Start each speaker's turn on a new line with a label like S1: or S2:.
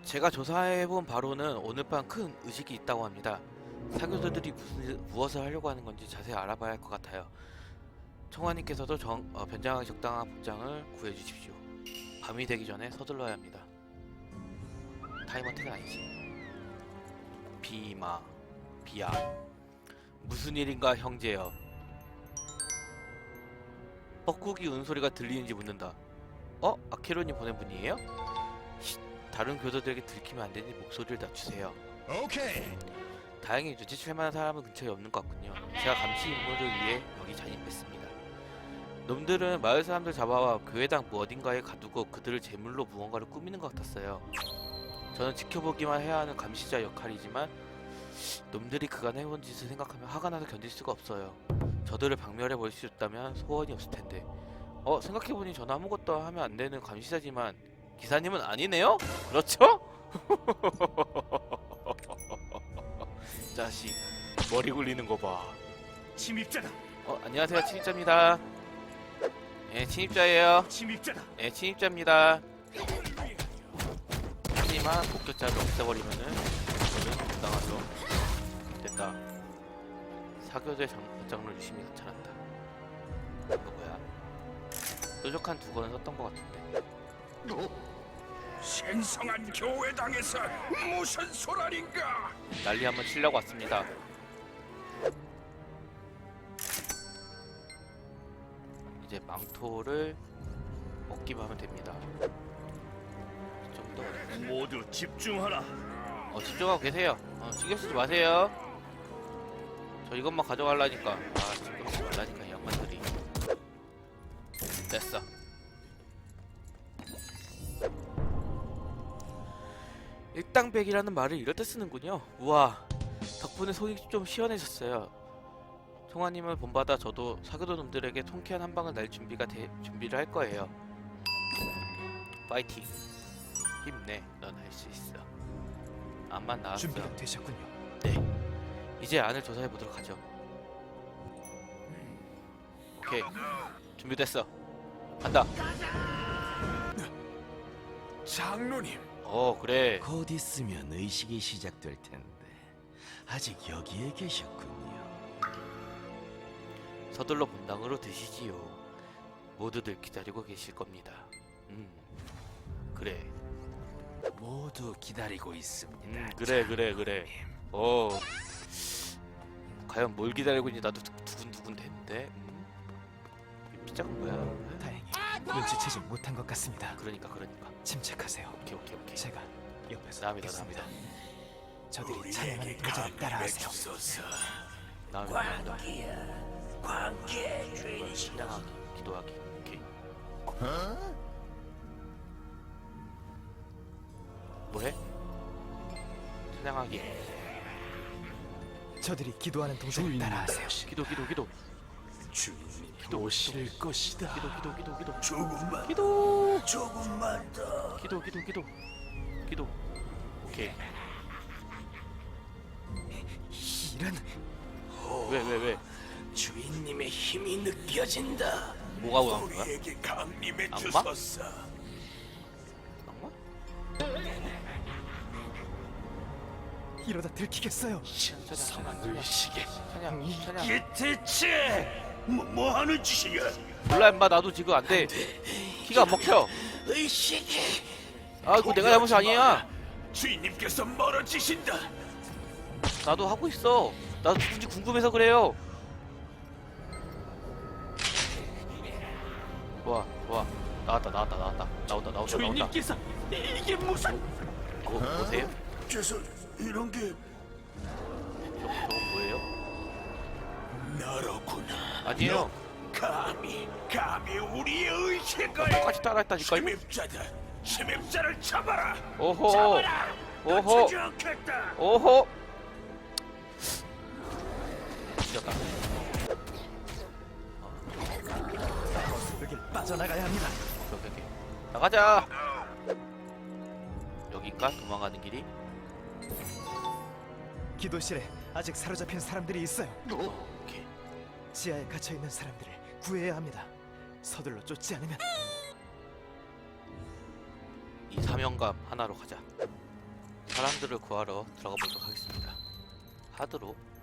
S1: 제가 조사해본 바로는 오늘 밤 큰 의식이 있다고 합니다. 사교도들이 무엇을 하려고 하는 건지 자세히 알아봐야 할 것 같아요. 청와님께서도 변장하기 적당한 복장을 구해주십시오. 밤이 되기 전에 서둘러야 합니다. 타임어택은 아니지. 비야 무슨 일인가 형제여. 뻐꾸기 운소리가 들리는지 묻는다. 아케론이 보낸 분이에요? 다른 교도들에게 들키면 안 되니 목소리를 낮추세요.
S2: 오케이.
S1: 다행히 눈치챌 만한 사람은 근처에 없는 것 같군요. 제가 감시 임무를 위해 여기 잠입했습니다. 놈들은 마을 사람들 잡아와 교회당 어딘가에 가두고 그들을 제물로 무언가를 꾸미는 것 같았어요. 저는 지켜보기만 해야 하는 감시자 역할이지만 놈들이 그간 해온 짓을 생각하면 화가 나서 견딜 수가 없어요. 저들을 박멸해 버릴 수 있다면 소원이 없을 텐데. 생각해보니 저는 아무것도 하면 안 되는 감시자지만 기사님은 아니네요? 그렇죠? 자식 머리 굴리는 거 봐.
S2: 침입자다.
S1: 안녕하세요, 침입자입니다. 예, 침입자예요.
S2: 침입자다.
S1: 예, 침입자입니다. 하지만 목격자를 없애버리면은 저는 부당하죠. 됐다. 사교대 장로 유심히 나타난다. 이거 뭐야? 뾰족한 두건을 썼던 것 같은데.
S2: 생성한 교회당에서 무슨 소란인가?
S1: 난리 한번 치려고 왔습니다. 이제 망토를 먹기만 하면 됩니다. 좀 더
S2: 모두 집중하라.
S1: 집중하고 계세요. 신경 쓰지 마세요. 저 이것만 가져가려니까. 신경 쓰지 말라니까 이 양반들이. 됐어. 일당백이라는 말을 이럴 때 쓰는군요. 우와, 덕분에 속이 좀 시원해졌어요. 총아님을 본받아 저도 사교도 놈들에게 통쾌한 한방을 날 준비를 할 거예요. 파이팅. 힘내. 넌 할 수 있어. 암만 나왔어.
S3: 준비가 되셨군요.
S1: 네. 이제 안을 조사해 보도록 하죠. 오케이. 준비됐어. 간다.
S2: 장로님.
S1: 그래.
S4: 곧 있으면 의식이 시작될 텐데 아직 여기에 계셨군요.
S1: 서둘러 본당으로 드시지요. 모두들 기다리고 계실 겁니다. 그래.
S4: 모두 기다리고 있습니다.
S1: 그래. 과연 뭘 기다리고 있는지 나도 두근두근 되는데. 피자가 뭐야?
S3: 다행히 눈치채지 못한 것 같습니다.
S1: 그러니까.
S3: 침착하세요.
S1: 오케이.
S3: 제가 옆에서
S1: 남이다.
S3: 보겠습니다. 저들이 찬양하는 도전을 따라하세요.
S1: 남이다. 광기의 주인이시다. 기도하기. 오케이. 뭐해? 찬양하기.
S3: 저들이 기도하는 동작을 따라하세요.
S1: 기도.
S2: 주인님
S1: 기도.
S2: 오실 것이다.
S1: 기도.
S2: 조금만.
S1: 기도.
S2: 조금만 더.
S1: 기도. 오케이.
S3: 이런
S1: 왜?
S2: 주인님의 힘이 느껴진다.
S1: 뭐가 원한 거야?
S2: 우리에게 강림해
S1: 악마?
S2: 주소서.
S1: 악마?
S3: 이러다 들키겠어요.
S2: 신성한 의식에
S1: 찬양.
S2: 이게 대체 뭐 하는 짓이냐?
S1: 몰라 임마, 나도 지금 안 돼. 키가 안 먹혀.
S2: 의식이.
S1: 그거 내가 잘못이 아니야.
S2: 주인님께서 멀어지신다.
S1: 나도 하고 있어. 나도 누군지 궁금해서 그래요. 와. 나온다.
S2: 주인님께서 이게 무슨?
S1: 보세요.
S2: 그래서 이런 게
S1: 저건 뭐예요?
S2: 나로구나.
S1: 아니에요.
S2: 감히 우리의 의식을
S1: 똑같이 따라했다니까요.
S2: 침입자를 잡아라.
S1: 오호.
S2: 잡아라.
S1: 오호.
S2: 놓치지 않겠다.
S1: 오호. 뒤졌다.
S3: 여길 빠져나가야 합니다.
S1: 오케이. 나가자. 여긴가? 도망가는 길이?
S3: 기도실에 아직 사로잡힌 사람들이 있어요.
S1: 오케이.
S3: 지하에 갇혀 있는 사람들을 구해야 합니다. 서둘러 쫓지 않으면
S1: 이 사명감 하나로 가자. 사람들을 구하러 들어가 보도록 하겠습니다. 하드로